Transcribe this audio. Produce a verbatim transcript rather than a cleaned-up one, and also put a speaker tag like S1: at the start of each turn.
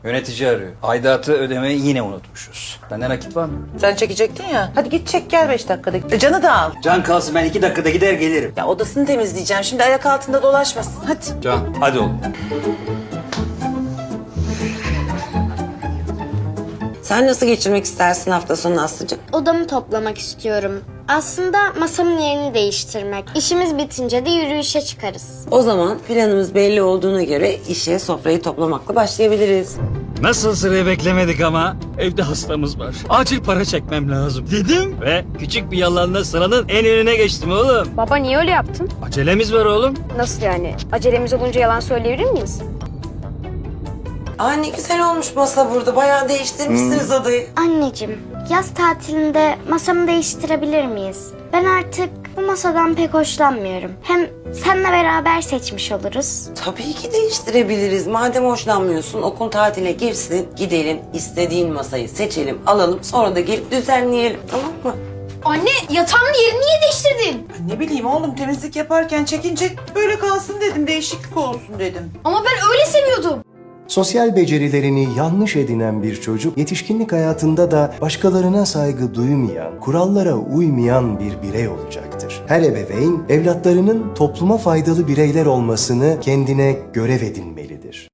S1: Yönetici arıyor. Aidatı ödemeyi yine unutmuşuz. Bende nakit var mı?
S2: Sen çekecektin ya. Hadi git çek gel beş dakikada. E, Can'ı da al.
S1: Can kalsın, ben iki dakikada gider gelirim.
S2: Ya odasını temizleyeceğim. Şimdi ayak altında dolaşmasın. Hadi.
S1: Can hadi oğlum.
S3: Sen nasıl geçirmek istersin hafta sonu Aslı'cığım?
S4: Odamı toplamak istiyorum. Aslında masamın yerini değiştirmek. İşimiz bitince de yürüyüşe çıkarız.
S3: O zaman planımız belli olduğuna göre işe sofrayı toplamakla başlayabiliriz.
S5: Nasıl sırayı beklemedik ama evde hastamız var. Acil para çekmem lazım dedim ve küçük bir yalanla sıranın en önüne geçtim oğlum.
S6: Baba niye öyle yaptın?
S5: Acelemiz var oğlum.
S6: Nasıl yani? Acelemiz olunca yalan söyleyebilir miyiz?
S3: Aa ne güzel olmuş masa burada. Bayağı değiştirmişsiniz odayı.
S4: Anneciğim, yaz tatilinde masamı değiştirebilir miyiz? Ben artık bu masadan pek hoşlanmıyorum. Hem seninle beraber seçmiş oluruz.
S3: Tabii ki değiştirebiliriz. Madem hoşlanmıyorsun okul tatile girsin. Gidelim istediğin masayı seçelim, alalım. Sonra da gelip düzenleyelim. Tamam mı?
S7: Anne yatağımın yerini niye değiştirdin?
S2: Ay, ne bileyim oğlum temizlik yaparken çekince böyle kalsın dedim. Değişiklik olsun dedim.
S7: Ama ben öyle seviyordum.
S8: Sosyal becerilerini yanlış edinen bir çocuk, yetişkinlik hayatında da başkalarına saygı duymayan, kurallara uymayan bir birey olacaktır. Her ebeveyn, evlatlarının topluma faydalı bireyler olmasını kendine görev edinmelidir.